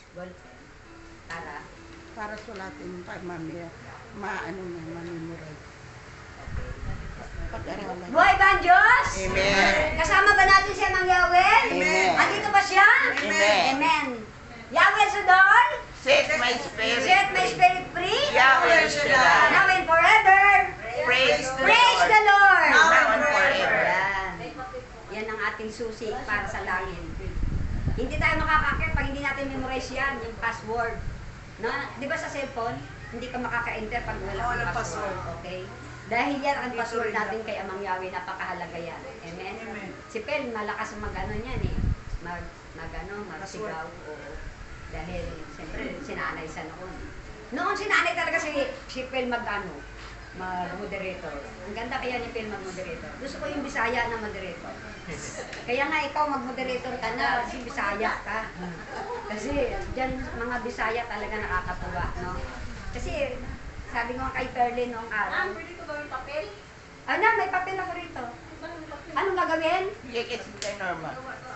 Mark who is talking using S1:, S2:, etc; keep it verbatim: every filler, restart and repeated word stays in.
S1: Ballpen. Para?
S2: Para sulatin pa, mami. Maano na, mamimorize. Pag-aralan.
S1: Buhay ba ang Diyos?
S3: Amen.
S1: Kasama ba natin siya ng Yahweh?
S3: Amen.
S1: Andito ba siya?
S3: Amen.
S1: Amen. Yahweh Sodor?
S3: Set my spirit
S1: Set my
S3: free.
S1: spirit free?
S3: Yahweh Shaddai.
S1: Now and forever.
S3: Praise the
S1: Praise
S3: Lord.
S1: the Lord.
S3: Now and forever.
S1: Yan. Yan ang ating susi para sa langit. Hindi tayo makakakit pag hindi natin memorize yan, yung password. No? Di ba sa cellphone, hindi ka makaka-enter pag wala
S4: Walang
S1: kang password.
S4: password.
S1: Okay? Dahil yan ang password natin kay Amang Yahweh, napakahalaga yan. Amen?
S4: Amen.
S1: Si Pel, malakas mag-ano niyan eh. Mag, mag ano, magsigaw. Oo. Dahil, siyempre, sinanay sa noon. Noon sinanay talaga si, si Pel mag-ano, mag-moderator. Ang ganda kaya ni Pel mag-moderator. Gusto ko yung Bisaya na moderator. Kaya nga ikaw mag-moderator ka na, si Bisaya ka. Kasi dyan mga Bisaya talaga nakakatuwa, no? Kasi sabi ko nga kay Perlin noong araw.
S5: Pwede ko gawin papel?
S1: Ano, may papel ako rito. Anong gagawin?
S3: Yes, it's normal.